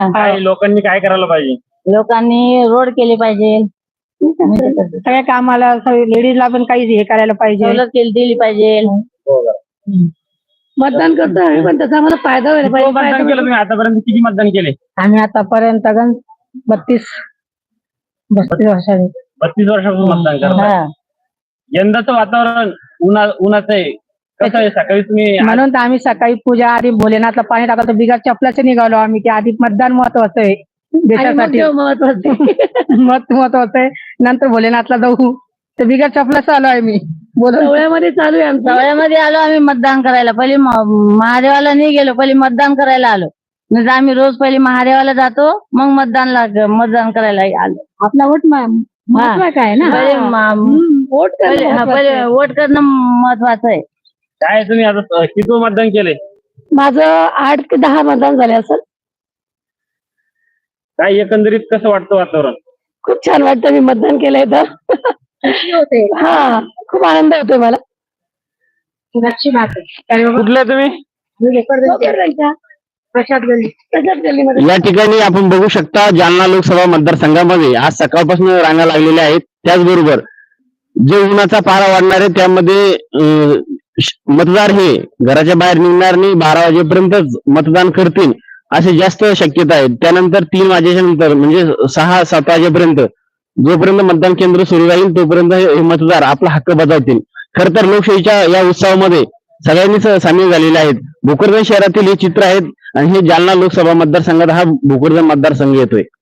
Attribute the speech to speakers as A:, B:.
A: काय लोकांनी काय करायला पाहिजे?
B: लोकांनी रोड केले पाहिजे,
C: सगळ्या कामाला लेडीजला पण काही हे करायला पाहिजे,
B: सवलत दिली पाहिजे.
C: मतदान करतो आम्ही पण त्याचा आम्हाला फायदा व्हायला
A: किती मतदान केलं
C: पाहिजे.
A: तुम्ही आतापर्यंत? किती मतदान केले?
C: आम्ही आतापर्यंत 32 वर्षांनी
A: 32 वर्षापासून मतदान करताय. यंदाचं वातावरण उन्हाचं आहे, कसं आहे? सकाळी तुम्ही
C: म्हणून तर आम्ही सकाळी पूजा आधी भोलेनाथला पाणी टाकतो, बिगर चपलाचे निघालो आम्ही, की आधी मतदान महत्वाचं आहे देशासाठी, महत्वाचं आहे. नंतर भोलेनाथला जाऊ, तर बिगर चपलाचं आलो आहे मी. सवळ्यामध्ये चालू आहे आमचं.
B: सवयमध्ये आलो आम्ही मतदान करायला. पहिले महादेवाला नाही गेलो, पहिले मतदान करायला आलो. म्हणजे आम्ही रोज पहिले महादेवाला जातो, मग मतदान करायला आलो.
C: आपला वोट महत्वाचा आहे ना,
B: पहिले वोट करणं महत्वाचं आहे.
A: काय तुम्ही आता किती मतदान केले?
C: माझं 8 ते 10 मतदान झाले असेल.
A: काय एकंदरीत कसं वाटतं वातावरण?
C: खूप छान वाटतं, मी मतदान केलंय तर. हा, खूप आनंद होतोय मला.
A: कुठले तुम्ही?
C: प्रसाद गल्ली.
D: या ठिकाणी आपण बघू शकता जालना लोकसभा मतदारसंघामध्ये आज सकाळपासून रांगा लागलेल्या आहेत. त्याचबरोबर जे उन्हाचा पारा वाढणार आहे त्यामध्ये मतदार हे घराच्या बाहेर निघणार नाही, 12 वाजेपर्यंतच मतदान करतील असे जास्त शक्यता आहे. त्यानंतर 3 वाजेच्या नंतर म्हणजे 6-7 वाजेपर्यंत जोपर्यंत मतदान केंद्र सुरू राहील तोपर्यंत हे मतदार आपला हक्क बजावतील. खर तर लोकशाहीच्या या उत्सवामध्ये सगळ्यांनीच सामील झालेले आहेत. भोकरदन शहरातील हे चित्र आहेत आणि हे जालना लोकसभा मतदारसंघात हा भोकरदन मतदारसंघ येतोय.